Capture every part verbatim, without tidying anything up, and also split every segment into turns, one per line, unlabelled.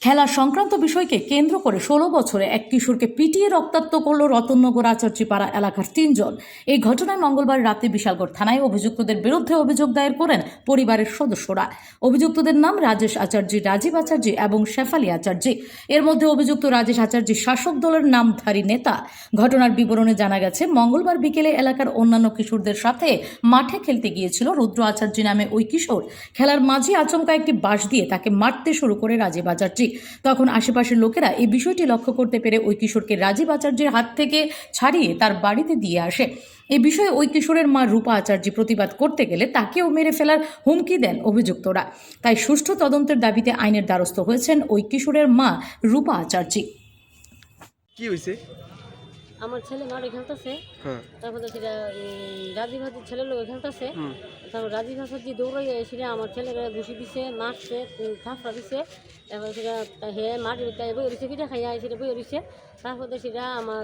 খেলা সংক্রান্ত বিষয়কে কেন্দ্র করে ষোলো বছরে এক কিশোরকে পিটিয়ে রক্তাক্ত করল রতননগর আচার্যপাড়া এলাকার তিনজন। এই ঘটনায় মঙ্গলবার রাতে বিশালগড় থানায় অভিযুক্তদের বিরুদ্ধে অভিযোগ দায়ের করেন পরিবারের সদস্যরা। অভিযুক্তদের নাম রাজেশ আচার্যি, রাজীব আচার্যি এবং শেফালি আচার্যি। এর মধ্যে অভিযুক্ত রাজেশ আচার্যি শাসক দলের নামধারী নেতা। ঘটনার বিবরণে জানা গেছে, মঙ্গলবার বিকেলে এলাকার অন্যান্য কিশোরদের সাথে মাঠে খেলতে গিয়েছিল রুদ্র আচার্যি নামে ওই কিশোর। খেলার মাঝে আচমকা একটি বাঁশ দিয়ে তাকে মারতে শুরু করে রাজীব আচার্যি। তখন আশেপাশের লোকেরা এই বিষয়টি লক্ষ্য করতে পেরে ওই কিশোরকে রাজীব আচার্যের হাত থেকে ছাড়িয়ে তার বাড়িতে দিয়ে আসে। এই বিষয়ে ওই কিশোরের মা রূপা আচার্যি প্রতিবাদ করতে গেলে তাকেও মেরে ফেলার হুমকি দেন অভিযুক্তরা। তাই সুষ্ঠু তদন্তের দাবিতে আইনের দ্বারস্থ হয়েছেন ওই কিশোরের মা রূপা আচার্যি।
কি হয়েছে?
আমার ছেলে মাঠে খেলতেছে, তারপরে সেটা রাজীব হাজির ছেলে লোক খেলতেছে, তারপর রাজীব হাজি দৌড়াইয়া এসে আমার ছেলেকে ঘুষি দিছে, মারছে, থাপড়া দিছে। তারপরে সেটা হে মাটির বই রয়েছে, পিঠা খাইয়া সেটা বই রয়েছে। তারপরে সেটা আমার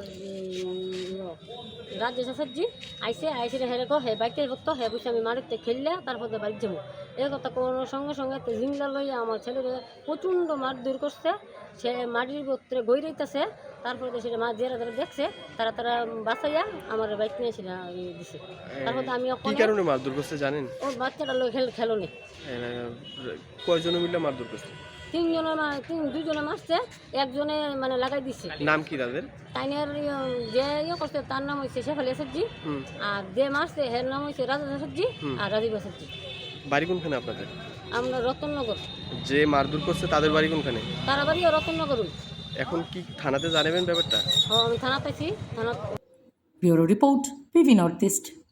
রাজেশ আচার্যি আইসে আইসে হেরে কো হে বাইকটা ভক্ত হে বসে আমি মাটিতে খেললে তারপরে বাড়ি যাবো। এই কথা কোনো সঙ্গে সঙ্গে জিংলা লইয়া আমার ছেলের প্রচণ্ড মার দূর করছে। সে মাটির ভক্তরে গই রইতেছে। তারপরে সেটা মা যারা যারা দেখছে তারা তারা বাঁচাইয়া আমার বাইক নিয়ে সেটা দিছে। তারপরে আমি
কি কারণে মারধর করছে জানেন?
ও বাচ্চাটা লোক খেল খেলোনি
কয়জন মিলে মারধর করছে?
তিনজনে তিন দুজনে মারছে, একজনে মানে লাগাই দিচ্ছে।
নাম কি তাদের?
তাইনের যে ইয়ে করছে তার নাম হয়েছে শেফালি আচার্যি, আর যে মারছে হের নাম হয়েছে রাজেশ আচার্যি আর রাজীব আচার্যি।
বাড়ি কোনখানে আপনাদের?
আমরা রতননগর।
যে মারধর করছে তাদের বাড়ি কোনখানে?
তারা বাড়িও রতননগর।
এখন কি থানাতে জানাবেন ব্যাপারটা?
আমি থানা পাইছি। থানা
bureau report, PV North east.